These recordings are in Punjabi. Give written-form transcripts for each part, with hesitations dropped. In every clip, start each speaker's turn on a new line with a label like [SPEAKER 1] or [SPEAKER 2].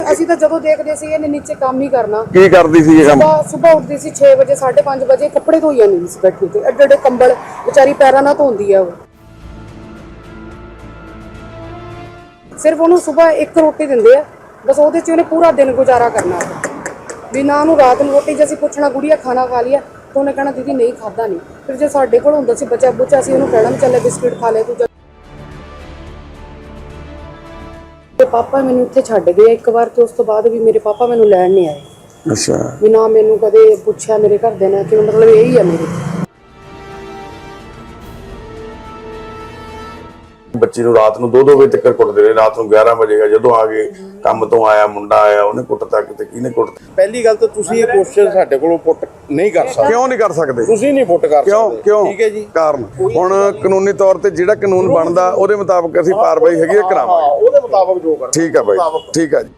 [SPEAKER 1] ਅਸੀਂ ਤਾਂ ਜਦੋਂ ਦੇਖਦੇ ਸੀ ਇਹਨੇ ਨੀਚੇ ਕੰਮ ਹੀ ਕਰਨਾ।
[SPEAKER 2] ਕੀ ਕਰਦੀ ਸੀ ਇਹ ਕੰਮ?
[SPEAKER 1] ਸੁਬਾਹ ਉੱਠਦੀ ਸੀ 6 ਵਜੇ 5:30 ਵਜੇ, ਕੱਪੜੇ ਧੋਈ ਜਾਂਦੀ ਸੀ ਬੈਠੀ ਤੇ, ਐਡੇ ਐਡੇ ਕੰਬਲ ਵਿਚਾਰੀ ਪੈਰਾਂ ਨਾਲ ਧੋਂਦੀ ਆ ਉਹ। ਸਿਰਫ ਉਹਨੂੰ ਸੁਬਾਹ ਇੱਕ ਰੋਟੀ ਦਿੰਦੇ ਆ ਬਸ, ਉਹਦੇ 'ਚ ਉਹਨੇ ਪੂਰਾ ਦਿਨ ਗੁਜ਼ਾਰਾ ਕਰਨਾ ਵੀ ਨਾ। ਉਹਨੂੰ ਰਾਤ ਨੂੰ ਰੋਟੀ ਜੇ ਅਸੀਂ ਪੁੱਛਣਾ ਗੁੜੀਆ ਖਾਣਾ ਖਾ ਲਿਆ ਤਾਂ ਉਹਨੇ ਕਹਿਣਾ ਦੀਦੀ ਨਹੀਂ ਖਾਦਾ ਨਹੀਂ। ਫਿਰ ਜੇ ਸਾਡੇ ਕੋਲ ਹੁੰਦਾ ਸੀ ਬਚਾ ਬੁਚਾ, ਅਸੀਂ ਉਹਨੂੰ ਕਹਿਣਾ ਵੀ ਚੱਲੇ ਬਿਸਕਿਟ ਖਾ ਲੈ ਤੂੰ। ਤੇ ਪਾਪਾ ਮੈਨੂੰ ਇੱਥੇ ਛੱਡ ਗਏ ਇੱਕ ਵਾਰ, ਤੇ ਉਸ ਤੋਂ ਬਾਅਦ ਵੀ ਮੇਰੇ ਪਾਪਾ ਮੈਨੂੰ ਲੈਣ ਨਹੀਂ ਆਏ।
[SPEAKER 2] ਅੱਛਾ।
[SPEAKER 1] ਵੀ ਨਾ ਮੈਨੂੰ ਕਦੇ ਪੁੱਛਿਆ ਮੇਰੇ ਘਰਦਿਆਂ ਨੇ, ਕਿ ਮਤਲਬ ਇਹੀ ਆ ਮੇਰੀ।
[SPEAKER 2] ਬੱਚੀ ਨੂੰ ਰਾਤ ਨੂੰ 2-2 ਵਜੇ ਤੱਕ ਕੁੱਟਦੇ ਰਹੇ। ਰਾਤ ਨੂੰ 11 ਵਜੇ ਜਦੋਂ ਆ ਗਏ ਕੰਮ ਤੋਂ ਆਇਆ ਮੁੰਡਾ ਆਇਆ, ਉਹਨੇ ਕੁੱਟਤਾ, ਕਿਤੇ ਕਿਹਨੇ ਕੁੱਟਤਾ।
[SPEAKER 3] ਪਹਿਲੀ ਗੱਲ ਤਾਂ ਤੁਸੀਂ ਇਹ ਕੁਐਸਚਨ ਸਾਡੇ ਕੋਲੋਂ ਪੁੱਟ ਨਹੀਂ ਕਰ ਸਕਦੇ।
[SPEAKER 2] ਕਿਉਂ ਨਹੀਂ ਕਰ ਸਕਦੇ?
[SPEAKER 3] ਤੁਸੀਂ ਨਹੀਂ ਪੁੱਟ ਕਰ ਸਕਦੇ।
[SPEAKER 2] ਕਿਉਂ?
[SPEAKER 3] ਠੀਕ ਹੈ ਜੀ।
[SPEAKER 2] ਕਾਰਨ ਹੁਣ ਕਾਨੂੰਨੀ ਤੌਰ ਤੇ ਜਿਹੜਾ ਕਾਨੂੰਨ ਬਣਦਾ ਉਹਦੇ ਮੁਤਾਬਕ ਅਸੀਂ ਕਾਰਵਾਈ ਹੈਗੀ ਕਰਾਵਾਂਗੇ।
[SPEAKER 3] ਉਹਦੇ ਮੁਤਾਬਕ ਜੋ ਕਰਨਾ।
[SPEAKER 2] ਠੀਕ ਹੈ ਬਾਈ, ਠੀਕ ਹੈ ਜੀ।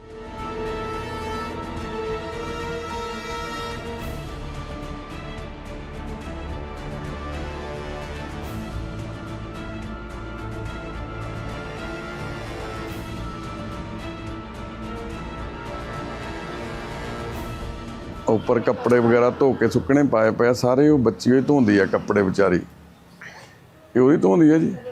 [SPEAKER 2] ਉੱਪਰ ਕੱਪੜੇ ਵਗੈਰਾ ਧੋ ਕੇ ਸੁੱਕਣੇ ਪਾਏ ਪਏ ਸਾਰੇ। ਉਹ ਬੱਚੀ ਹੋਈ ਧੋਂਦੀ ਆ ਕੱਪੜੇ ਵਿਚਾਰੀ, ਇਹ ਉਹੀ ਧੋਂਦੀ ਆ ਜੀ।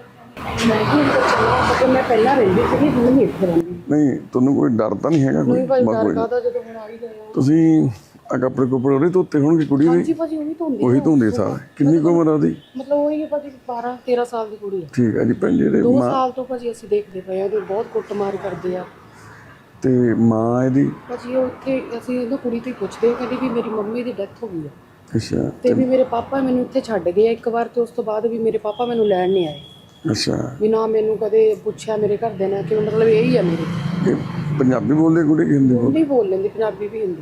[SPEAKER 1] ਮੈਂ ਪਹਿਲਾਂ ਰਹਿੰਦੀ ਸੀ, ਹੁਣ ਨਹੀਂ ਇੱਥੇ ਰਹਿੰਦੀ।
[SPEAKER 2] ਨਹੀਂ ਤੁਹਾਨੂੰ ਕੋਈ ਡਰ ਤਾਂ ਨਹੀਂ ਹੈਗਾ?
[SPEAKER 1] ਕੋਈ ਡਰ ਕਾਹਦਾ, ਜਦੋਂ ਹੁਣ ਆ ਹੀ ਗਏ ਆ।
[SPEAKER 2] ਤੁਸੀਂ ਆ ਕੱਪੜੇ ਉਹਦੇ ਧੋਤੇ ਹੋਣਗੇ ਕੁੜੀ ਦੇ?
[SPEAKER 1] ਹਾਂਜੀ ਭਾਜੀ
[SPEAKER 2] ਉਹੀ ਧੋਂਦੀ ਸਾਰਾ। ਕਿੰਨੀ ਕੁ ਉਮਰ ਆ ਉਹਦੀ?
[SPEAKER 1] ਮਤਲਬ ਉਹੀ ਹੈ ਭਾਜੀ 12-13 ਸਾਲ ਦੀ ਕੁੜੀ ਹੈ।
[SPEAKER 2] ਠੀਕ ਹੈ ਜੀ। ਭੈਣ ਜਿਹੜੇ
[SPEAKER 1] 2 ਸਾਲ ਤੋਂ ਭਾਜੀ ਅਸੀਂ ਦੇਖਦੇ ਪਏ ਆ, ਉਹਦੇ ਬਹੁਤ ਕੁੱਟਮਾਰ ਕਰਦੇ ਆ।
[SPEAKER 2] ਤੇ ਮਾਂ ਇਹਦੀ?
[SPEAKER 1] ਭਾਜੀ ਉਹ ਇੱਥੇ ਅਸੀਂ ਇਹਨੂੰ ਕੁੜੀ ਤੋਂ ਹੀ ਪੁੱਛਦੇ, ਕਹਿੰਦੀ ਵੀ ਮੇਰੀ ਮੰਮੀ ਦੀ ਡੈਥ ਹੋ ਗਈ ਆ।
[SPEAKER 2] ਅੱਛਾ।
[SPEAKER 1] ਤੇ ਵੀ ਮੇਰੇ ਪਾਪਾ ਮੈਨੂੰ ਇੱਥੇ ਛੱਡ ਗਏ ਇੱਕ ਵਾਰ, ਤੇ ਉਸ ਤੋਂ ਬਾਅਦ ਵੀ ਮੇਰੇ ਪਾਪਾ ਮੈਨੂੰ ਲੈਣ ਨਹੀਂ ਆਏ।
[SPEAKER 2] ਅੱਛਾ।
[SPEAKER 1] ਵੀ ਨਾ ਮੈਨੂੰ ਕਦੇ ਪੁੱਛਿਆ ਮੇਰੇ ਘਰਦਿਆਂ ਨੇ, ਕਿ ਮਤਲਬ ਇਹੀ ਆ ਮੇਰੀ।
[SPEAKER 2] ਇਹ ਪੰਜਾਬੀ ਬੋਲਦੇ ਕੁੜੀ ਕਿ ਹਿੰਦੀ ਬੋਲਦੇ?
[SPEAKER 1] ਨਹੀਂ ਬੋਲ ਲੈਂਦੀ, ਪੰਜਾਬੀ ਵੀ ਹਿੰਦੀ।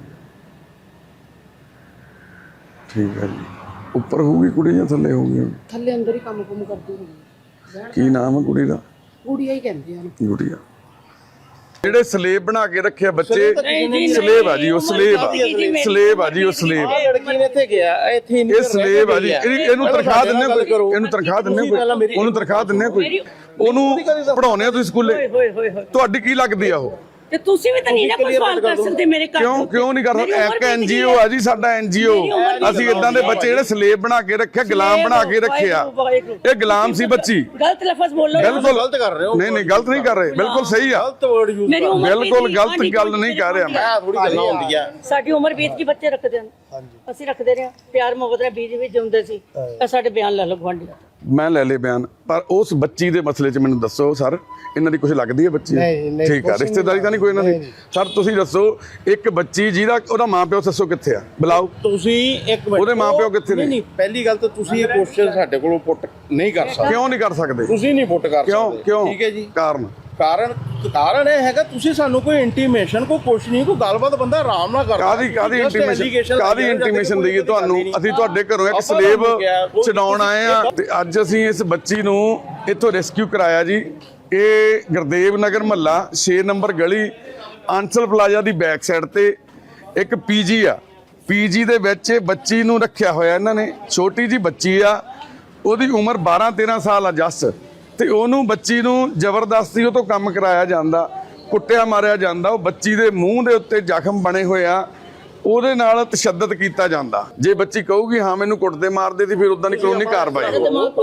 [SPEAKER 2] ਠੀਕ ਹੈ ਜੀ। ਉੱਪਰ ਹੋਊਗੀ ਕੁੜੀ ਜਾਂ ਥੱਲੇ ਹੋਊਗੀ?
[SPEAKER 1] ਥੱਲੇ ਅੰਦਰ ਹੀ ਕੰਮ ਕੁਮ ਕਰਦੀ ਹੁੰਦੀ।
[SPEAKER 2] ਕੀ ਨਾਮ ਹੈ ਕੁੜੀ ਦਾ?
[SPEAKER 1] ਗੁੜੀਆ ਹੀ ਕਹਿੰਦੇ ਆ।
[SPEAKER 2] ਗੁੜੀਆ। ਜਿਹੜੇ ਸਲੇਬ ਬਣਾ ਕੇ ਰੱਖਿਆ ਬੱਚੇ, ਸਲੇਬ ਆ ਜੀ ਉਹ, ਸਲੇਬ ਆ, ਸਲੇਬ ਆ ਜੀ ਉਹ, ਸਲੇਬ।
[SPEAKER 3] ਲੜਕੀ ਨੇ ਇੱਥੇ ਗਿਆ, ਇੱਥੇ
[SPEAKER 2] ਇਹ ਸਲੇਬ ਆ ਜੀ। ਇਹਨੂੰ ਤਨਖਾਹ ਦਿੰਨੇ ਕੋਈ? ਇਹਨੂੰ ਤਨਖਾਹ ਦਿੰਨੇ ਕੋਈ? ਉਹਨੂੰ ਤਨਖਾਹ ਦਿੰਨੇ ਕੋਈ? ਉਹਨੂੰ ਪੜਾਉਣੇ ਆ ਤੁਸੀਂ ਸਕੂਲੇ? ਤੁਹਾਡੀ ਕੀ ਲੱਗਦੀ ਆ ਉਹ?
[SPEAKER 4] ਤੇ ਤੁਸੀਂ ਵੀ ਤਾਂ ਨਹੀਂ ਨਾ ਕੋਈ ਸਵਾਲ ਕਰ ਸਕਦੇ ਮੇਰੇ ਘਰ।
[SPEAKER 2] ਕਿਉਂ ਨਹੀਂ ਕਰ ਸਕਦੇ? ਇੱਕ ਐਨਜੀਓ ਆ ਜੀ ਸਾਡਾ, ਐਨਜੀਓ। ਅਸੀਂ ਇਦਾਂ ਦੇ ਬੱਚੇ ਜਿਹੜੇ ਸਲੇਬ ਬਣਾ ਕੇ ਰੱਖਿਆ, ਗੁਲਾਮ ਬਣਾ ਕੇ ਰੱਖਿਆ। ਇਹ ਗੁਲਾਮ ਸੀ ਬੱਚੀ।
[SPEAKER 4] ਗਲਤ ਲਫ਼ਜ਼ ਬੋਲੋ।
[SPEAKER 2] ਬਿਲਕੁਲ
[SPEAKER 3] ਗਲਤ ਕਰ ਰਹੇ ਹੋ।
[SPEAKER 2] ਨਹੀਂ ਗਲਤ ਨਹੀਂ ਕਰ ਰਹੇ, ਬਿਲਕੁਲ ਸਹੀ ਆ।
[SPEAKER 3] ਗਲਤ ਵਰਡ ਯੂਜ਼ ਕਰ ਰਹੇ ਹੋ।
[SPEAKER 2] ਬਿਲਕੁਲ ਗਲਤ ਗੱਲ ਨਹੀਂ ਕਰ ਰਿਹਾ ਮੈਂ।
[SPEAKER 3] ਥੋੜੀ ਗੱਲਾਂ ਹੁੰਦੀਆਂ।
[SPEAKER 4] ਸਾਡੀ ਉਮਰ ਬੀਤ ਗਈ, ਬੱਚੇ ਰੱਖਦੇ ਹਨ। ਅਸੀਂ ਰੱਖਦੇ ਰਹੇ, ਪਿਆਰ ਮੁਹੱਬਤ ਨਾਲ ਬੀਜ ਵਿੱਚ ਜਿਉਂਦੇ ਸੀ। ਇਹ ਸਾਡੇ ਬਿਆਨ ਲੈ ਲਓ ਗਵਾਂਢੀ।
[SPEAKER 2] ਮੈਂ ਲੈ ਲੇ ਬਿਆਨ, ਪਰ ਉਸ ਬੱਚੀ ਦੇ ਮਸਲੇ 'ਚ ਮੈਨੂੰ ਦੱਸੋ ਸਰ, ਇਹਨਾਂ ਦੀ ਕੁਝ ਲੱਗਦੀ ਹੈ ਬੱਚੀ? ਠੀਕ ਆ, ਰਿਸ਼ਤੇਦਾਰੀ ਤਾਂ ਨਹੀਂ ਕੋਈ ਇਹਨਾਂ ਦੀ? ਸਰ ਤੁਸੀਂ ਦੱਸੋ, ਇੱਕ ਬੱਚੀ ਜਿਹਦਾ ਉਹਦਾ ਮਾਂ-ਪਿਓ ਦੱਸੋ ਕਿੱਥੇ ਆ? ਬੁਲਾਓ।
[SPEAKER 3] ਤੁਸੀਂ ਇੱਕ ਮਿੰਟ,
[SPEAKER 2] ਉਹਦੇ ਮਾਂ-ਪਿਓ ਕਿੱਥੇ ਨੇ?
[SPEAKER 3] ਨਹੀਂ, ਪਹਿਲੀ ਗੱਲ ਤਾਂ ਤੁਸੀਂ ਇਹ ਕੁਐਸਚਨ ਸਾਡੇ ਕੋਲੋਂ ਪੁੱਟ ਨਹੀਂ ਕਰ ਸਕਦੇ।
[SPEAKER 2] ਕਿਉਂ ਨਹੀਂ ਕਰ ਸਕਦੇ?
[SPEAKER 3] ਤੁਸੀਂ ਨਹੀਂ ਪੁੱਟ ਕਰ ਸਕਦੇ।
[SPEAKER 2] ਕਿਉਂ?
[SPEAKER 3] ਠੀਕ ਹੈ ਜੀ।
[SPEAKER 2] ਕਾਰਨ
[SPEAKER 3] ਇਹ ਹੈਗਾ, ਤੁਸੀਂ ਸਾਨੂੰ ਕੋਈ ਇੰਟੀਮੇਸ਼ਨ, ਕੋਈ ਕੁਛ ਨਹੀਂ, ਕੋਈ ਗੱਲਬਾਤ ਬੰਦਾ ਆਰਾਮ ਨਾਲ ਕਰਦਾ।
[SPEAKER 2] ਕਾਦੀ ਇੰਟੀਮੇਸ਼ਨ ਦਈਏ ਤੁਹਾਨੂੰ? ਅਸੀਂ ਤੁਹਾਡੇ ਘਰੋਂ ਇੱਕ ਸਲੇਬ ਛਡਾਉਣ ਆਏ ਆ, ਤੇ ਅੱਜ ਅਸੀਂ ਇਸ ਬੱਚੀ ਨੂੰ ਇੱਥੋਂ ਰੈਸਕਿਊ ਕਰਾਇਆ ਜੀ। ਇਹ ਗੁਰਦੇਵ ਨਗਰ ਮਹੱਲਾ 6 ਨੰਬਰ ਗਲੀ ਆਂਸਲ ਪਲਾਜ਼ਾ ਦੀ ਬੈਕ ਸਾਈਡ ਤੇ ਇੱਕ ਪੀਜੀ ਆ। ਪੀਜੀ ਦੇ ਵਿੱਚ ਇਹ ਬੱਚੀ ਨੂੰ ਰੱਖਿਆ ਹੋਇਆ ਇਹਨਾਂ ਨੇ। ਛੋਟੀ ਜੀ ਬੱਚੀ ਆ, ਉਹਦੀ ਉਮਰ 12-13 ਸਾਲ ਆ ਜੱਸ। ਤੇ ਉਹਨੂੰ ਬੱਚੀ ਨੂੰ ਜ਼ਬਰਦਸਤੀ ਉਹ ਤੋਂ ਕੰਮ ਕਰਾਇਆ ਜਾਂਦਾ, ਕੁੱਟਿਆ ਮਾਰਿਆ ਜਾਂਦਾ। ਉਹ ਬੱਚੀ ਦੇ ਮੂੰਹ ਦੇ ਉੱਤੇ ਜ਼ਖਮ ਬਣੇ ਹੋਏ ਆ, ਉਹਦੇ ਨਾਲ ਤਸ਼ੱਦਦ ਕੀਤਾ ਜਾਂਦਾ। ਜੇ ਬੱਚੀ ਕਹੂਗੀ ਹਾਂ ਮੈਨੂੰ ਕੁੱਟਦੇ ਮਾਰਦੇ ਸੀ, ਫਿਰ ਉਦਾਂ ਦੀ ਕਾਨੂੰਨੀ ਕਾਰਵਾਈ ਹੋਊ।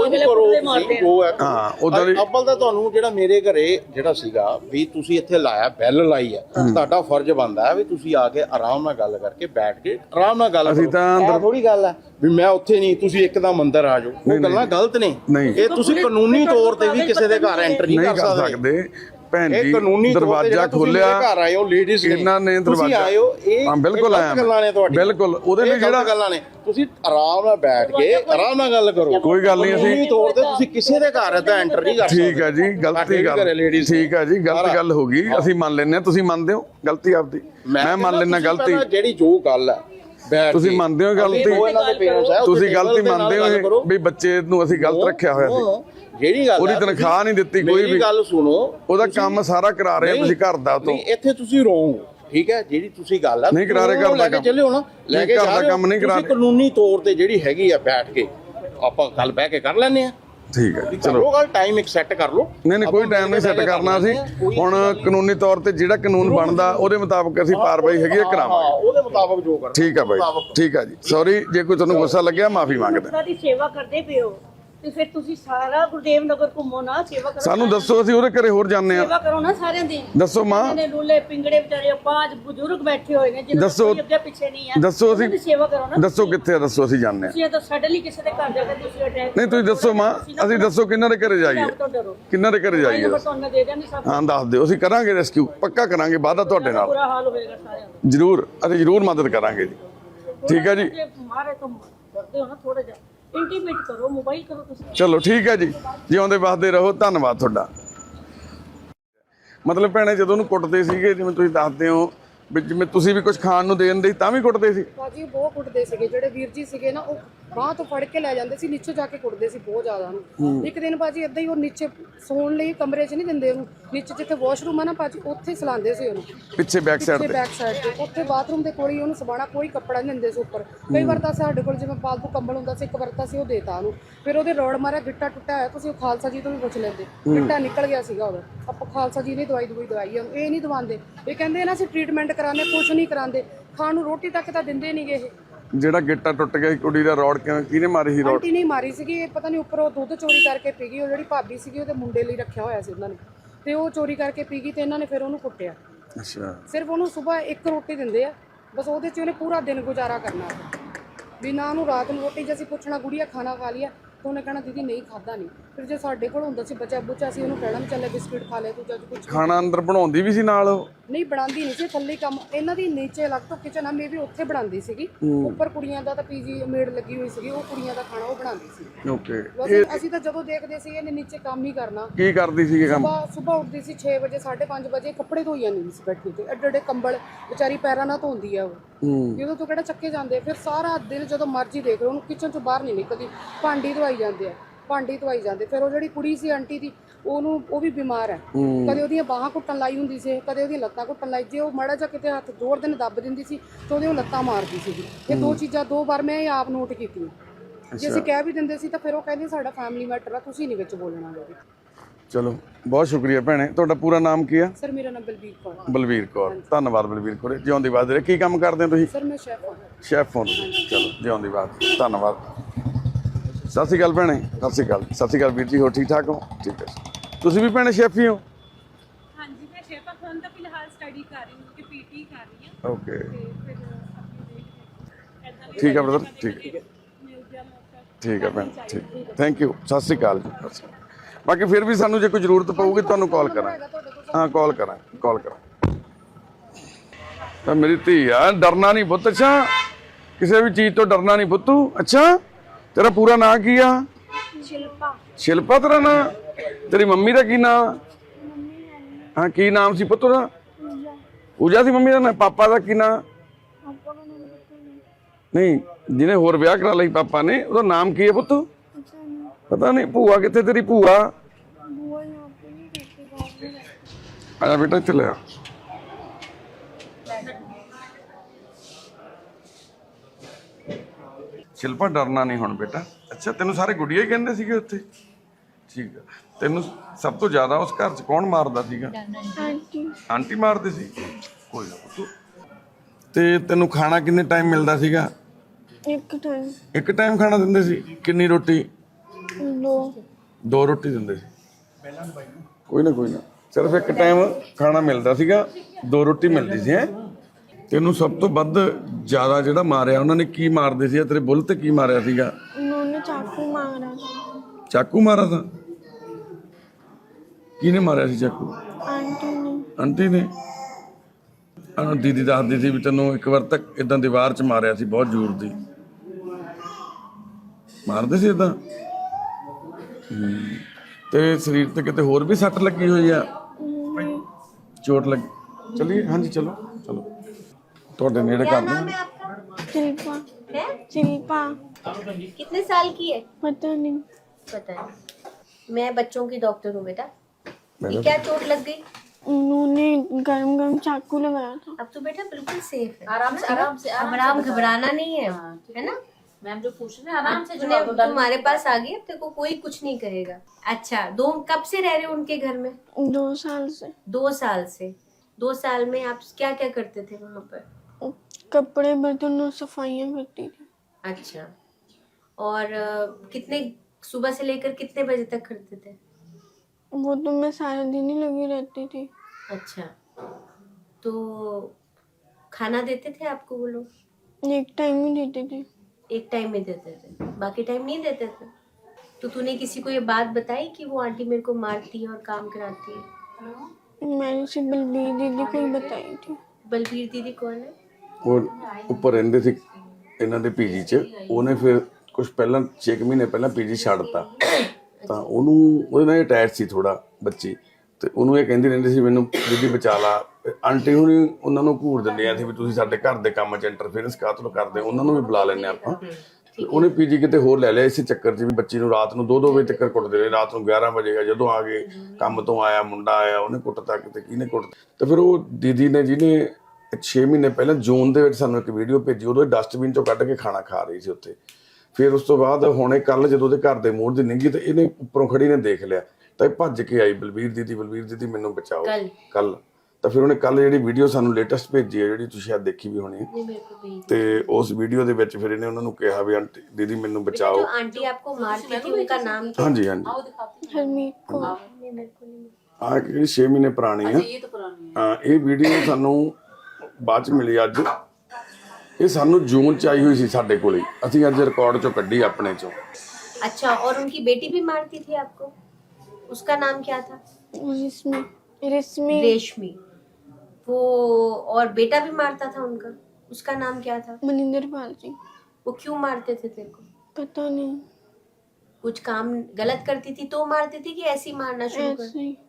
[SPEAKER 2] ਹਾਂ ਉਦਾਂ ਦੀ।
[SPEAKER 3] ਅੱਬਲ ਤਾਂ ਤੁਹਾਨੂੰ ਜਿਹੜਾ ਮੇਰੇ ਘਰੇ ਜਿਹੜਾ ਸੀਗਾ ਵੀ ਤੁਸੀਂ ਇੱਥੇ ਲਾਇਆ, ਬੈਲ ਲਾਈ ਹੈ, ਤੁਹਾਡਾ ਫਰਜ਼ ਬਣਦਾ ਹੈ ਵੀ ਤੁਸੀਂ ਆ ਕੇ ਆਰਾਮ ਨਾਲ ਗੱਲ ਕਰਕੇ ਬੈਠ ਕੇ ਆਰਾਮ ਨਾਲ ਗੱਲ ਕਰੋ।
[SPEAKER 2] ਅਸੀਂ ਤਾਂ ਅੰਦਰ
[SPEAKER 3] ਥੋੜੀ ਗੱਲ ਹੈ ਵੀ ਮੈਂ ਉੱਥੇ ਨਹੀਂ, ਤੁਸੀਂ ਇੱਕਦਮ ਅੰਦਰ ਆ ਜਾਓ। ਉਹ ਗੱਲਾਂ ਗਲਤ ਨੇ। ਇਹ ਤੁਸੀਂ ਕਾਨੂੰਨੀ ਤੌਰ ਤੇ ਵੀ ਕਿਸੇ ਦੇ ਘਰ ਐਂਟਰ ਨਹੀਂ ਕਰ ਸਕਦੇ। ਭੈਣ ਜੀ ਦਰਵਾਜ਼ਾ ਖੋਲਿਆ, ਘਰ ਆਏ ਹੋ ਲੇਡੀਜ਼
[SPEAKER 2] ਇਹਨਾਂ ਨੇ ਦਰਵਾਜ਼ਾ।
[SPEAKER 3] ਹਾਂ
[SPEAKER 2] ਬਿਲਕੁਲ ਆਇਆ, ਬਿਲਕੁਲ ਉਹਦੇ ਲਈ ਜਿਹੜਾ
[SPEAKER 3] ਗੱਲਾਂ ਨੇ, ਤੁਸੀਂ ਆਰਾਮ ਨਾਲ ਬੈਠ ਕੇ ਆਰਾਮ ਨਾਲ ਗੱਲ ਕਰੋ।
[SPEAKER 2] ਕੋਈ ਗੱਲ ਨਹੀਂ, ਅਸੀਂ
[SPEAKER 3] ਤੌਰ ਤੇ ਤੁਸੀਂ ਕਿਸੇ ਦੇ ਘਰ ਤਾਂ ਐਂਟਰ ਨਹੀਂ ਕਰ ਸਕਦੇ।
[SPEAKER 2] ਠੀਕ ਹੈ ਜੀ, ਗਲਤੀ ਗੱਲ, ਠੀਕ ਹੈ ਜੀ, ਗਲਤ ਗੱਲ ਹੋ ਗਈ, ਅਸੀਂ ਮੰਨ ਲੈਂਦੇ ਹਾਂ। ਤੁਸੀਂ ਮੰਨਦੇ ਹੋ ਗਲਤੀ ਆਪਦੀ? ਮੈਂ ਮੰਨ ਲੈਣਾ ਗਲਤੀ।
[SPEAKER 3] ਜਿਹੜੀ ਜੋ ਗੱਲ ਹੈ
[SPEAKER 2] ਤੁਸੀਂ ਮੰਨਦੇ ਹੋ ਗਲਤੀ? ਤੁਸੀਂ ਗਲਤੀ ਮੰਨਦੇ ਹੋ ਵੀ ਬੱਚੇ ਨੂੰ ਅਸੀਂ ਗਲਤ ਰੱਖਿਆ ਹੋਇਆ ਸੀ?
[SPEAKER 3] ਜਿਹੜੀ ਗੱਲ,
[SPEAKER 2] ਉਹਦੀ ਤਨਖਾਹ ਨਹੀਂ ਦਿੱਤੀ ਕੋਈ ਵੀ।
[SPEAKER 3] ਗੱਲ ਸੁਣੋ,
[SPEAKER 2] ਉਹਦਾ ਕੰਮ ਸਾਰਾ ਕਰਾ ਰਹੇ ਤੁਸੀਂ ਘਰ ਦਾ ਤੋਂ।
[SPEAKER 3] ਇੱਥੇ ਤੁਸੀਂ ਰੋਂਗ, ਠੀਕ ਹੈ, ਜਿਹੜੀ ਤੁਸੀਂ ਗੱਲ ਆ
[SPEAKER 2] ਨਹੀਂ ਕਰਾ ਰਹੇ ਘਰ ਦਾ ਕੰਮ।
[SPEAKER 3] ਚੱਲਿਓ ਨਾ, ਲੈ ਕੇ
[SPEAKER 2] ਘਰ ਦਾ ਕੰਮ ਨਹੀਂ ਕਰਾ ਰਹੇ।
[SPEAKER 3] ਕਾਨੂੰਨੀ ਤੌਰ ਤੇ ਜਿਹੜੀ ਹੈਗੀ ਆ ਬੈਠ ਕੇ ਆਪਾਂ ਗੱਲ ਬਹਿ ਕੇ ਕਰ ਲੈਂਦੇ ਆ।
[SPEAKER 2] ਠੀਕ ਹੈ ਚਲੋ
[SPEAKER 3] ਉਹ ਗੱਲ ਟਾਈਮ ਇੱਕ ਸੈੱਟ ਕਰ ਲਓ।
[SPEAKER 2] ਨਹੀਂ ਕੋਈ ਟਾਈਮ ਨਹੀਂ ਸੈੱਟ ਕਰਨਾ ਅਸੀਂ ਹੁਣ ਕਾਨੂੰਨੀ ਤੌਰ ਤੇ ਜਿਹੜਾ ਕਾਨੂੰਨ ਬਣਦਾ ਉਹਦੇ ਮੁਤਾਬਕ ਅਸੀਂ ਕਾਰਵਾਈ ਹੈਗੀ ਹੈ ਕਰਾਵਾਂਗੇ
[SPEAKER 3] ਉਹਦੇ ਮੁਤਾਬਕ ਜੋ ਕਰਨਾ।
[SPEAKER 2] ਠੀਕ ਹੈ ਬਾਈ ਠੀਕ ਹੈ ਜੀ ਸੌਰੀ ਜੇ ਕੋਈ ਤੁਹਾਨੂੰ ਗੁੱਸਾ ਲੱਗਿਆ ਮਾਫੀ ਮੰਗਦਾ।
[SPEAKER 4] ਸਾਡੀ ਸੇਵਾ ਕਰਦੇ ਪਿਓ ਤੇ ਫਿਰ ਤੁਸੀਂ ਸਾਰਾ ਗੁਰਦੇਵ ਨਗਰ ਘੁੰਮੋ ਨਾ, ਸੇਵਾ ਕਰੋ।
[SPEAKER 2] ਸਾਨੂੰ ਦੱਸੋ ਅਸੀਂ ਉਹਦੇ ਘਰੇ ਹੋਰ ਜਾਂਦੇ ਆ।
[SPEAKER 4] ਸੇਵਾ ਕਰੋ ਨਾ ਸਾਰਿਆਂ ਦੀ।
[SPEAKER 2] ਦੱਸੋ ਮਾਂ।
[SPEAKER 4] ਨੇ ਲੂਲੇ ਪਿੰਗੜੇ ਵਿਚਾਰੇ ਪੰਜ ਬਜ਼ੁਰਗ ਬੈਠੇ ਹੋਏ ਨੇ ਜਿਹਨਾਂ
[SPEAKER 2] ਦੱਸੋ
[SPEAKER 4] ਕੋਈ ਅੱਗੇ ਪਿੱਛੇ ਨਹੀਂ ਆ।
[SPEAKER 2] ਦੱਸੋ ਅਸੀਂ
[SPEAKER 4] ਸੇਵਾ ਕਰੋ ਨਾ।
[SPEAKER 2] ਦੱਸੋ ਕਿੱਥੇ ਆ ਦੱਸੋ ਅਸੀਂ ਜਾਂਦੇ ਆ।
[SPEAKER 4] ਤੁਸੀਂ ਤਾਂ ਸਾਡੇ ਲਈ ਕਿਸੇ ਦੇ ਘਰ ਜਾ ਕੇ ਤੁਸੀਂ ਅਟੈਕ
[SPEAKER 2] ਨਹੀਂ ਤੁਸੀਂ ਦੱਸੋ ਮਾਂ ਅਸੀਂ ਦੱਸੋ ਕਿੰਨਾਂ ਦੇ ਘਰੇ ਜਾਈਏ ਕਿੰਨਾਂ ਦੇ ਘਰੇ ਜਾਈਏ
[SPEAKER 4] ਤੁਹਾਨੂੰ ਦੇ ਦਿਆਂਗੇ ਸਭ।
[SPEAKER 2] ਹਾਂ ਦੱਸ ਦਿਓ ਅਸੀਂ ਕਰਾਂਗੇ ਰੈਸਕਿਊ ਪੱਕਾ ਕਰਾਂਗੇ ਵਾਅਦਾ ਤੁਹਾਡੇ ਨਾਲ
[SPEAKER 4] ਬੁਰਾ ਹਾਲ ਹੋਵੇਗਾ ਸਾਰਿਆਂ ਦਾ।
[SPEAKER 2] ਜ਼ਰੂਰ ਅਸੀਂ ਜ਼ਰੂਰ ਮਦਦ ਕਰਾਂਗੇ ਜੀ ਠੀਕ ਹੈ ਜੀ
[SPEAKER 4] ਜੇ ਮਾਰੇ ਤੋਂ ਕਰਦੇ ਹੋ ਨਾ ਥੋੜਾ ਜਿਹਾ ਇੰਟੀਮੇਟ ਕਰੋ, ਮੋਬਾਈਲ ਕਰੋ ਤੁਸੀਂ।
[SPEAKER 2] ਚਲੋ ਠੀਕ ਹੈ ਜੀ ਜਿਉਂਦੇ ਵਸਦੇ ਰਹੋ ਧੰਨਵਾਦ ਤੁਹਾਡਾ। ਮਤਲਬ ਭੈਣੇ ਜਦੋਂ ਉਹਨੂੰ ਕੁੱਟਦੇ ਸੀਗੇ ਜਿਵੇਂ ਤੁਸੀਂ ਦੱਸਦੇ ਹੋ ਵੀ ਜਿਵੇਂ ਤੁਸੀਂ ਵੀ ਕੁਝ ਖਾਣ ਨੂੰ ਦੇਣ ਦੇ ਤਾਂ ਵੀ ਕੁੱਟਦੇ ਸੀ।
[SPEAKER 1] ਭਾਜੀ ਬਹੁਤ ਕੁੱਟਦੇ ਸੀਗੇ ਜਿਹੜੇ ਵੀਰ ਜੀ ਸੀਗੇ ਨਾ ਉਹ ਬਾਂਹ ਤੋਂ ਫੜ ਕੇ ਲੈ ਜਾਂਦੇ ਸੀ ਨੀਚੇ ਜਾ ਕੇ ਕੁੱਟਦੇ ਸੀ ਬਹੁਤ ਜ਼ਿਆਦਾ ਨੂੰ। ਇੱਕ ਦਿਨ ਭਾਜੀ ਏਦਾਂ ਹੀ ਉਹ ਨੀਚੇ ਸੌਣ ਲਈ ਕਮਰੇ 'ਚ ਨਹੀਂ ਦਿੰਦੇ ਉਹਨੂੰ, ਨੀਚੇ ਜਿੱਥੇ ਵਾਸ਼ਰੂਮ ਆ ਨਾ ਭਾਜੀ ਉੱਥੇ ਸਲਾਉਂਦੇ ਸੀ ਉਹਨੂੰ
[SPEAKER 2] ਪਿੱਛੇ ਬੈਕ ਸਾਈਡ ਤੇ
[SPEAKER 1] ਬੈਕ ਸਾਈਡ ਤੇ ਉੱਥੇ ਬਾਥਰੂਮ ਦੇ ਕੋਲ ਹੀ ਉਹਨੂੰ ਸਵਾਣਾ, ਕੋਈ ਕੱਪੜਾ ਨਹੀਂ ਦਿੰਦੇ ਸੀ ਉੱਪਰ। ਕਈ ਵਾਰ ਤਾਂ ਸਾਡੇ ਕੋਲ ਜਿਵੇਂ ਪਾਲਤੂ ਕੰਬਲ ਹੁੰਦਾ ਸੀ ਇੱਕ ਵਾਰ ਤਾਂ ਅਸੀਂ ਉਹ ਦੇਤਾ ਉਹਨੂੰ, ਫਿਰ ਉਹਦੇ ਰੋਡ ਮਾਰਿਆ ਗਿੱਟਾ ਟੁੱਟਿਆ ਹੋਇਆ, ਤੁਸੀਂ ਉਹ ਖਾਲਸਾ ਜੀ ਤੋਂ ਵੀ ਪੁੱਛ ਲੈਂਦੇ ਗਿੱਟਾ ਨਿਕਲ ਗਿਆ ਸੀਗਾ ਉਹਦਾ। ਆਪਾਂ ਖਾਲਸਾ ਜੀ ਨੇ ਦਵਾਈ ਦਵਾਈ ਆ ਇਹ ਨਹੀਂ ਦਵਾਉਂਦੇ, ਇਹ ਕਹਿੰਦੇ ਨਾ ਅਸੀਂ ਟ੍ਰੀਟਮੈਂਟ ਕਰਾਉਂਦੇ ਕੁਛ ਨਹੀਂ ਕਰਾਉਂਦੇ, ਖਾਣ ਨੂੰ ਰੋਟੀ ਤੱਕ ਤਾਂ ਦਿੰਦੇ ਨਹੀਂਗੇ। ਇਹ
[SPEAKER 2] ਜਿਹੜਾ ਗਿੱਟਾ ਟੁੱਟ ਗਿਆ ਕੁੜੀ ਦਾ ਰੋਡ ਕਿਹਨੇ ਮਾਰੀ ਸੀ ਰੋਡ?
[SPEAKER 1] ਆਂਟੀ ਨਹੀਂ ਮਾਰੀ ਸੀਗੀ, ਇਹ ਪਤਾ ਨਹੀਂ ਉੱਪਰੋਂ ਦੁੱਧ ਚੋਰੀ ਕਰਕੇ ਪੀ ਗਈ। ਉਹ ਜਿਹੜੀ ਭਾਬੀ ਸੀਗੀ ਉਹਦੇ ਮੁੰਡੇ ਲਈ ਰੱਖਿਆ ਹੋਇਆ ਸੀ ਉਹਨਾਂ ਨੇ, ਤੇ ਉਹ ਚੋਰੀ ਕਰਕੇ ਪੀ ਗਈ ਤੇ ਇਹਨਾਂ ਨੇ ਫਿਰ ਉਹਨੂੰ ਕੁੱਟਿਆ।
[SPEAKER 2] ਅੱਛਾ
[SPEAKER 1] ਸਿਰਫ ਉਹਨੂੰ ਸਵੇਰ ਇੱਕ ਰੋਟੀ ਦਿੰਦੇ ਆ ਬਸ, ਉਹਦੇ 'ਚ ਉਹਨੇ ਪੂਰਾ ਦਿਨ ਗੁਜ਼ਾਰਾ ਕਰਨਾ ਵੀ ਨਾ ਉਹਨੂੰ ਰਾਤ ਨੂੰ ਰੋਟੀ। ਜੇ ਅਸੀਂ ਪੁੱਛਣਾ ਗੁੜੀਆ ਖਾਣਾ ਖਾ ਲਿਆ ਤਾਂ ਉਹਨੇ ਕਹਿਣਾ ਦੀਦੀ ਨਹੀਂ ਖਾਦਾ ਨਹੀਂ। ਫਿਰ ਜੇ ਸਾਡੇ ਕੋਲ ਹੁੰਦਾ ਸੀ ਬਚਾ ਬੁਚਾ ਅਸੀਂ ਉਹਨੂੰ ਕਹਿਣਾ ਵੀ ਚੱਲੇ ਬਿਸਕਿਟ ਖਾ ਲੈ ਤੂੰ ਜਦ ਕੁਝ
[SPEAKER 2] ਖਾਣਾ ਅੰਦਰ ਬਣਾਉਂਦੀ ਵੀ ਸੀ ਨਾਲ ਉਹ?
[SPEAKER 1] ਨਹੀਂ ਬਣਾਉਂਦੀ ਨਹੀਂ ਸੀ, ਥੱਲੇ ਕੰਮ ਇਹਨਾਂ ਦੀ ਨੀਚੇ ਅਲੱਗ ਤੋਂ ਕਿਚਨ ਆ, ਮੇ ਵੀ ਉੱਥੇ ਬਣਾਉਂਦੀ ਸੀਗੀ। ਉੱਪਰ ਕੁੜੀਆਂ ਦਾ ਤਾਂ ਪੀਜੀ ਮੇਡ ਲੱਗੀ ਹੋਈ ਸੀਗੀ, ਉਹ ਕੁੜੀਆਂ ਦਾ ਖਾਣਾ ਉਹ ਬਣਾਉਂਦੀ ਸੀ।
[SPEAKER 2] ਓਕੇ
[SPEAKER 1] ਬਸ ਅਸੀਂ ਤਾਂ ਜਦੋਂ ਦੇਖਦੇ ਸੀ ਇਹਨੇ ਨੀਚੇ ਕੰਮ ਹੀ ਕਰਨਾ।
[SPEAKER 2] ਕੀ ਕਰਦੀ ਸੀ ਇਹ ਕੰਮ?
[SPEAKER 1] ਸੁਬਾਹ ਉੱਠਦੀ ਸੀ 6 ਵਜੇ 5:30 ਵਜੇ, ਕੱਪੜੇ ਧੋਈ ਜਾਂਦੀ ਸੀ ਬੈਠੀ ਤੇ ਐਡੇ ਐਡੇ ਕੰਬਲ ਵਿਚਾਰੀ ਪੈਰਾਂ ਨਾਲ ਧੋਂਦੀ ਆ ਉਹ। ਜਦੋਂ ਤੋਂ ਕਿਹੜਾ ਚੱਕੇ ਜਾਂਦੇ, ਫਿਰ ਸਾਰਾ ਦਿਨ ਜਦੋਂ ਮਰਜ਼ੀ ਦੇਖ ਲਓ ਉਹਨੂੰ ਕਿਚਨ ਚੋਂ ਬਾਹਰ ਨਹੀਂ ਨਿਕਲਦੀ, ਭਾਂਡੀ ਧਵਾਈ ਜਾਂਦੇ ਆ ਭਾਂਡੀ ਧਵਾਈ ਜਾਂਦੇ। ਫਿਰ ਉਹ ਜਿਹੜੀ ਕੁੜੀ ਸੀ ਆਂਟੀ ਦੀ ਉਹਨੂੰ ਉਹ ਵੀ ਬਿਮਾਰ ਹੈ, ਕਦੇ ਉਹਦੀਆਂ ਬਾਹਾਂ ਘੁੱਟਣ ਲਾਈ ਹੁੰਦੀ ਸੀ, ਕਦੇ ਉਹਦੀਆਂ ਲੱਤਾਂ ਘੁੱਟਣ ਲਾਈ। ਜੇ ਉਹ ਮਾੜਾ ਜਿਹਾ ਕਿਤੇ ਹੱਥ ਜ਼ੋਰ ਦੇ ਨਾਲ ਦੱਬ ਦਿੰਦੀ ਸੀ ਤਾਂ ਉਹਦੇ ਉਹ ਲੱਤਾਂ ਮਾਰਦੀ ਸੀਗੀ। ਇਹ ਦੋ ਚੀਜ਼ਾਂ 2 ਵਾਰ ਮੈਂ ਆਪ ਨੋਟ ਕੀਤੀਆਂ। ਜੇ ਅਸੀਂ ਕਹਿ ਵੀ ਦਿੰਦੇ ਸੀ ਤਾਂ ਫਿਰ ਉਹ ਕਹਿੰਦੇ ਸਾਡਾ ਫੈਮਿਲੀ ਮੈਟਰ ਆ, ਤੁਸੀਂ ਨਹੀਂ ਵਿੱਚ ਬੋਲਣਾ ਜੀ।
[SPEAKER 2] ਚਲੋ ਬਹੁਤ ਸ਼ੁਕਰੀਆ ਭੈਣੇ। ਤੁਹਾਡਾ ਪੂਰਾ ਨਾਮ ਕੀ ਆ?
[SPEAKER 1] ਸਰ ਮੇਰਾ ਨਾਮ ਬਲਬੀਰ ਕੌਰ।
[SPEAKER 2] ਬਲਬੀਰ ਕੌਰ, ਧੰਨਵਾਦ ਬਲਬੀਰ ਕੌਰ। ਜਿਉਂਦੀ ਬਾਦ ਰਹੇ। ਕੀ ਕੰਮ ਕਰਦੇ ਹੋ ਤੁਸੀਂ?
[SPEAKER 1] ਸਰ ਮੈਂ ਸ਼ੈਫ ਹਾਂ।
[SPEAKER 2] ਸ਼ੈਫ ਹੋ ਤੁਸੀਂ? ਚਲੋ ਜਿਉਂਦੀ ਬਾਦ, ਧੰਨਵਾਦ। ਸਤਿ ਸ਼੍ਰੀ ਅਕਾਲ ਭੈਣੇ। ਸਤਿ ਸ਼੍ਰੀ ਅਕਾਲ। ਸਤਿ ਸ਼੍ਰੀ ਅਕਾਲ ਵੀਰ ਜੀ, ਹੋ ਠੀਕ ਠਾਕ ਹੋ? ਠੀਕ ਹੈ। ਤੁਸੀਂ ਵੀ ਭੈਣੇ ਸ਼ੈਫ ਹੀ ਹੋ?
[SPEAKER 5] ਹਾਂਜੀ ਮੈਂ ਸ਼ੈਫ ਹਾਂ, ਤਾਂ ਫਿਲਹਾਲ ਸਟੱਡੀ ਕਰ ਰਹੀ ਹਾਂ ਕਿ ਪੀਟੀ ਕਰ ਰਹੀ ਹਾਂ
[SPEAKER 2] ਓਕੇ
[SPEAKER 5] ਤੇ ਫਿਰ ਆਪਣੀ ਦੇਖ
[SPEAKER 2] ਠੀਕ ਹੈ ਬ੍ਰਦਰ। ਠੀਕ ਹੈ ਠੀਕ ਹੈ ਭੈਣ ਠੀਕ। Thank you. ਸਤਿ ਸ਼੍ਰੀ ਅਕਾਲ ਜੀ। ਸਤਿ ਸ਼੍ਰੀ ਅਕਾਲ। ਬਾਕੀ ਫਿਰ ਵੀ ਸਾਨੂੰ ਜੇ ਕੋਈ ਜ਼ਰੂਰਤ ਪਊਗੀ ਤੁਹਾਨੂੰ ਕਾਲ ਕਰਾਂਗੇ। ਹਾਂ ਕਾਲ ਕਰਾਂ। ਤਾਂ ਮੇਰੀ ਧੀ ਆ, ਡਰਨਾ ਨਹੀਂ ਪੁੱਤ। ਅੱਛਾ ਕਿਸੇ ਵੀ ਚੀਜ਼ ਤੋਂ ਡਰਨਾ ਨਹੀਂ ਪੁੱਤੂ। ਅੱਛਾ ਤੇਰਾ ਪੂਰਾ ਨਾਂ ਕੀ ਆ?
[SPEAKER 5] ਸ਼ਿਲਪਾ।
[SPEAKER 2] ਸ਼ਿਲਪਾ ਤੇਰਾ ਨਾਂ? ਤੇਰੀ ਮੰਮੀ ਦਾ ਕੀ ਨਾਂ? ਹਾਂ ਕੀ ਨਾਮ ਸੀ ਪੁੱਤ ਉਹਦਾ? ਪੂਜਾ ਸੀ ਮੰਮੀ ਦਾ ਨਾਂ। ਪਾਪਾ ਦਾ ਕੀ ਨਾਂ? ਨਹੀਂ ਜਿਹਨੇ ਹੋਰ ਵਿਆਹ ਕਰਾ ਲਈ ਪਾਪਾ ਨੇ, ਉਹਦਾ ਨਾਮ ਕੀ ਹੈ ਪੁੱਤ? ਪਤਾ ਨਹੀਂ। ਭੂਆ ਕਿੱਥੇ ਤੇਰੀ ਭੂਆ? ਆਇਆ ਬੇਟਾ ਇੱਥੇ ਲੈ ਆ। ਸ਼ਿਲਪਾ ਡਰਨਾ ਨਹੀਂ ਹੁਣ ਬੇਟਾ। ਅੱਛਾ ਤੈਨੂੰ ਸਾਰੇ ਗੁੱਡੀਆਂ ਹੀ ਕਹਿੰਦੇ ਸੀਗੇ ਉੱਥੇ? ਠੀਕ ਆ। ਤੈਨੂੰ ਸਭ ਤੋਂ ਜ਼ਿਆਦਾ ਉਸ ਘਰ 'ਚ ਕੌਣ ਮਾਰਦਾ ਸੀਗਾ? ਆਂਟੀ ਮਾਰਦੇ ਸੀ? ਕੋਈ ਨਾ ਪੁੱਤ। ਤੇ ਤੈਨੂੰ ਖਾਣਾ ਕਿੰਨੇ ਟਾਈਮ ਮਿਲਦਾ ਸੀਗਾ? ਇੱਕ ਟਾਈਮ ਖਾਣਾ ਦਿੰਦੇ ਸੀ? ਕਿੰਨੀ ਰੋਟੀ? 2 ਰੋਟੀ ਦਿੰਦੇ ਸੀ। ਕੋਈ ਨਾ ਸਿਰਫ ਇੱਕ ਟਾਈਮ ਖਾਣਾ ਮਿਲਦਾ ਸੀਗਾ, 2 ਰੋਟੀ ਮਿਲਦੀ ਸੀ। ਹੈ ਤੈਨੂੰ ਸਭ ਤੋਂ ਵੱਧ ਜ਼ਿਆਦਾ ਜਿਹੜਾ ਮਾਰਿਆ ਉਹਨਾਂ ਨੇ ਕੀ ਮਾਰਦੇ ਸੀ? ਤੇਰੇ ਬੁੱਲ ਤੇ ਕੀ ਮਾਰਿਆ ਸੀਗਾ? ਚਾਕੂ ਮਾਰਾ था। ਕਿਹਨੇ ਮਾਰਿਆ ਸੀ ਚਾਕੂ? ਆਂਟੀ ਨੇ। ਦੀਦੀ ਦੱਸਦੀ ਸੀ ਵੀ ਤੈਨੂੰ ਇੱਕ ਵਾਰ ਤੱਕ ਇਦਾਂ ਦੀਵਾਰ 'ਚ ਮਾਰਿਆ ਸੀ ਬਹੁਤ ਜ਼ੋਰ ਦੀ। ਮਾਰਦੇ ਸੀ ਇਦਾਂ? ਤੇ ਸਰੀਰ ਤੇ ਕਿਤੇ ਹੋਰ ਵੀ ਸੱਟ ਲੱਗੀ ਹੋਈ ਆ? ਚੋਟ ਲੱਗੀ? ਚਲਿਏ ਹਾਂਜੀ ਚਲੋ। ਤੁਹਾਡੇ ਨੇੜੇ ਕਰ ਦੂੰ।
[SPEAKER 6] शिल्पा
[SPEAKER 7] कितने साल की है?
[SPEAKER 6] पता नहीं।
[SPEAKER 7] पता है। मैं बच्चों की डॉक्टर हूँ बेटा। ये क्या चोट लग गई?
[SPEAKER 6] उन्होंने गरम चाकू लगाया था।
[SPEAKER 7] अब तो बेटा बिल्कुल सेफ है। आराम से अब आराम घबराना नहीं है, है ना?
[SPEAKER 8] मैम जो पूछ रहे हैं आराम से
[SPEAKER 7] तूने तुम्हारे पास आ गई, अब तेरे को कोई कुछ नहीं कहेगा। अच्छा, कब से रह रहे हो उनके घर में?
[SPEAKER 6] 2 साल से।
[SPEAKER 7] 2 साल से। 2 साल में आप क्या क्या करते थे वहाँ पर?
[SPEAKER 6] कपड़े बर्तन और सफाइयाँ करती थी।
[SPEAKER 7] अच्छा, और कितने सुबह से लेकर कितने बजे तक करते थे?
[SPEAKER 6] वो तो मैं सारा दिन ही लगी रहती थी।
[SPEAKER 7] अच्छा, तो खाना देते थे आपको वो लोग?
[SPEAKER 6] 1 टाइम ही देते थे।
[SPEAKER 7] 1 टाइम में देते थे, बाकी टाइम नहीं देते थे? तो तूने किसी को ये बात बताई कि वो आंटी मेरे को मारती है और काम कराती है?
[SPEAKER 6] मैंने सिर्फ बलबीर दीदी को ही बताई थी।
[SPEAKER 7] बलबीर दीदी कौन है?
[SPEAKER 2] ਉਹ ਉੱਪਰ ਰਹਿੰਦੇ ਸੀ ਇਹਨਾਂ ਦੇ ਪੀਜੀ 'ਚ। ਉਹਨੇ ਫਿਰ ਕੁਝ ਪਹਿਲਾਂ 6 ਮਹੀਨੇ ਪਹਿਲਾਂ ਪੀਜੀ ਛੱਡਤਾ ਤਾਂ ਉਹਨੂੰ ਉਹਦੇ ਨਾਲ ਅਟੈਚ ਸੀ ਥੋੜਾ ਬੱਚੀ, ਤੇ ਉਹਨੂੰ ਇਹ ਕਹਿੰਦੀ ਰਹਿੰਦੀ ਸੀ ਮੈਨੂੰ ਦੀਦੀ ਬਚਾ ਲਾ। ਆਂਟੀ ਹੁਣੀ ਉਹਨਾਂ ਨੂੰ ਘੂਰ ਦਿੰਦੇ ਆ ਸੀ ਵੀ ਤੁਸੀਂ ਸਾਡੇ ਘਰ ਦੇ ਕੰਮ 'ਚ ਇੰਟਰਫੇਰੈਂਸ ਕਾਹਤੋਂ ਕਰਦੇ ਹੋ, ਉਹਨਾਂ ਨੂੰ ਵੀ ਬੁਲਾ ਲੈਂਦੇ ਆਪਾਂ। ਤੇ ਉਹਨੇ ਪੀਜੀ ਕਿਤੇ ਹੋਰ ਲੈ ਲਿਆ ਇਸੇ ਚੱਕਰ 'ਚ ਵੀ ਬੱਚੀ ਨੂੰ ਰਾਤ ਨੂੰ 2-2 ਵਜੇ ਤੱਕ ਕੁੱਟਦੇ ਰਹੇ। ਰਾਤ ਨੂੰ 11 ਵਜੇ ਜਦੋਂ ਆ ਗਏ ਕੰਮ ਤੋਂ ਆਇਆ ਮੁੰਡਾ ਆਇਆ ਉਹਨੇ ਕੁੱਟਤਾ, ਕਿਤੇ ਕਿਹਨੇ ਕੁੱਟ। ਤੇ ਫਿਰ ਉਹ ਦੀਦੀ ਨੇ ਜਿਹਨੇ 6 ਮਹੀਨੇ ਪਹਿਲਾਂ ਜੂਨ ਦੇ ਵਿੱਚ ਸਾਨੂੰ ਇੱਕ ਵੀਡੀਓ ਭੇਜੀ, ਉਦੋਂ ਡਸਟਬਿਨ 'ਚੋਂ ਕੱਢ ਕੇ ਖਾਣਾ ਖਾ ਰਹੀ ਸੀ ਉੱਥੇ। ਫਿਰ ਉਸ ਤੋਂ ਬਾਅਦ ਹੁਣੇ ਕੱਲ ਜਦੋਂ ਉਹਦੇ ਘਰ ਦੇ ਮੂਹਰ ਦੀ ਲੰਘੀ ਤੇ ਇਹਨੇ ਉੱਪਰੋਂ ਖੜੀ ਨੇ ਦੇਖ ਲਿਆ ਤਾਂ ਇਹ ਭੱਜ ਕੇ ਆਈ, ਬਲਬੀਰ ਦੀਦੀ ਮੈਨੂੰ ਬਚਾਓ ਕੱਲ। ਤਾਂ ਫਿਰ ਉਹਨੇ ਕੱਲ ਜਿਹੜੀ ਵੀਡੀਓ ਸਾਨੂੰ ਲੇਟੈਸਟ ਭੇਜੀ ਹੈ, ਜਿਹੜੀ ਤੁਸੀਂ ਸ਼ਾਇਦ ਦੇਖੀ ਵੀ ਹੋਣੀ ਹੈ, ਤੇ ਉਸ ਵੀਡੀਓ ਦੇ ਵਿੱਚ ਫਿਰ ਇਹਨੇ ਉਹਨਾਂ ਨੂੰ ਕਿਹਾ ਵੀ ਆਂਟੀ ਦੀਦੀ ਮੈਨੂੰ ਬਚਾਓ।
[SPEAKER 7] जो आंटी आपको मारती थी उनका नाम क्या?
[SPEAKER 2] ਹਾਂਜੀ
[SPEAKER 6] हरमीत को।
[SPEAKER 2] ਆਹ ਜਿਹੜੀ 6 ਮਹੀਨੇ ਪੁਰਾਣੀ ਹੈ। ਹਾਂ, ਇਹ ਵੀਡੀਓ ਸਾਨੂੰ ਬਾਅਦ ਚ ਮਿਲੀ ਅੱਜ। ਇਹ ਸਾਨੂੰ ਜੂਨ ਚ ਆਈ ਹੋਈ ਸੀ ਸਾਡੇ ਕੋਲੇ, ਅਸੀਂ ਅੱਜ ਰਿਕਾਰਡ ਚੋਂ ਕੱਢੀ ਆਪਣੇ ਚੋਂ।
[SPEAKER 7] अच्छा, और उनकी बेटी भी मारती थी आपको? उसका नाम क्या था?
[SPEAKER 6] रेशमी।
[SPEAKER 7] रेशमी। वो और बेटा भी मारता था उनका, उसका नाम क्या था?
[SPEAKER 6] मनिंदर पाल सिंह।
[SPEAKER 7] वो क्यों मारते थे तेरे को?
[SPEAKER 6] पता नहीं,
[SPEAKER 7] कुछ काम गलत करती थी तो मारती थी कि ऐसे ही मारना शुरू कर?
[SPEAKER 6] ऐसे ही।